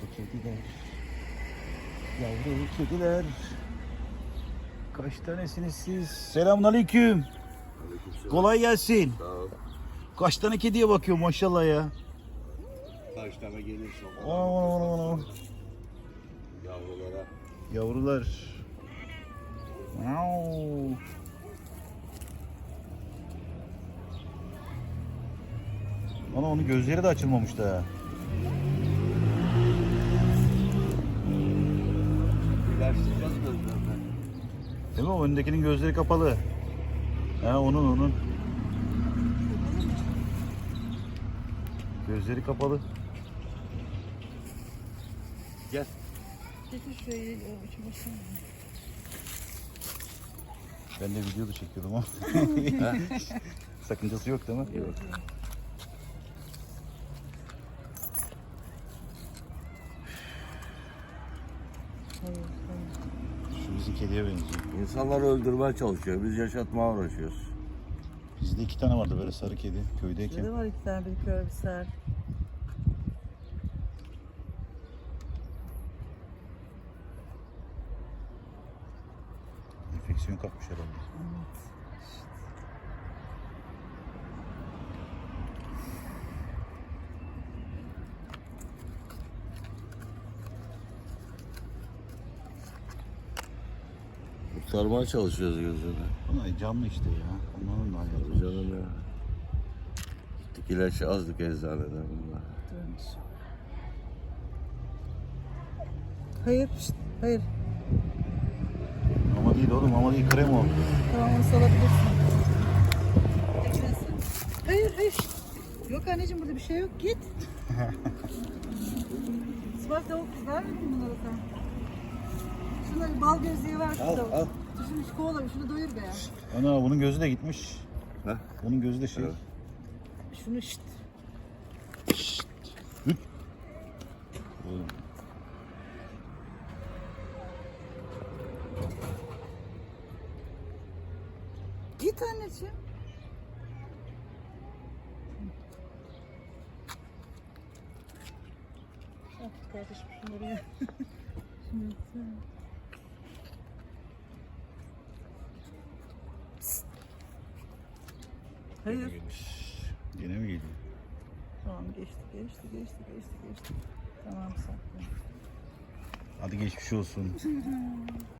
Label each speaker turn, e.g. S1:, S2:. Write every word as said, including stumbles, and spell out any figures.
S1: kediler. Yavru kediler. Kaç tanesiniz siz? Selamünaleyküm. Kolay gelsin.
S2: Sağ ol.
S1: Kaç tane kediye bakıyor maşallah ya.
S2: Kaç tane gelirse o kadar.
S1: Ana, ana, ana, ana.
S2: Yavrulara.
S1: Yavrular. Miau. Ana onun gözleri de açılmamış da.
S2: İlaçlayacağız gözlerine.
S1: Değil mi? O öndekinin gözleri kapalı. Ha onun onun. Gözleri kapalı.
S2: Gel.
S3: Getir şurayı, o içi başına.
S1: Ben de video da çekiyordum ama. Sakıncası yok değil mi?
S2: Yok.
S3: Hayır, hayır.
S1: Şu bizim kediye benziyor.
S2: İnsanları öldürmeye çalışıyor. Biz yaşatmaya uğraşıyoruz.
S1: Bizde iki tane vardı böyle sarı kedi köydeyken.
S3: Şurada var iki tane, bir kör bir ser.
S1: Enfeksiyon kapmış herhalde.
S3: Evet.
S2: Kurtarmaya çalışıyoruz gözünü.
S1: Bunlar canlı işte ya. Onların da hayatı.
S2: Tabii canım ya. Gittik ilaç azdık eczaneden bunlar.
S3: Durmuş. Hayır, şşt, hayır.
S1: Ama değil oğlum, ama değil, krem o.
S3: Tamam, onu salabilirsin. Eklesin. Hayır, hayır. şşt. Yok anneciğim, burada bir şey yok. Git. Sıvak tavuk ver mi bunlara sen? Şunları bal gözlüğü ver.
S2: Al,
S3: tavuk.
S2: al.
S3: Şunu şu kovala, şunu doyur be ya.
S1: Ana bunun gözü de gitmiş.
S2: Ha?
S1: Bunun gözü de şey.
S2: Evet.
S3: Şunu şşt.
S1: Oğlum.
S3: Git anneciğim. Ah kardeşim şunları ya. Şunu sen. Psst. Hayır.
S1: Yine mi geliyor?
S3: Tamam geçti geçti geçti geçti geçti. Tamam saklı.
S1: Hadi geçmiş olsun.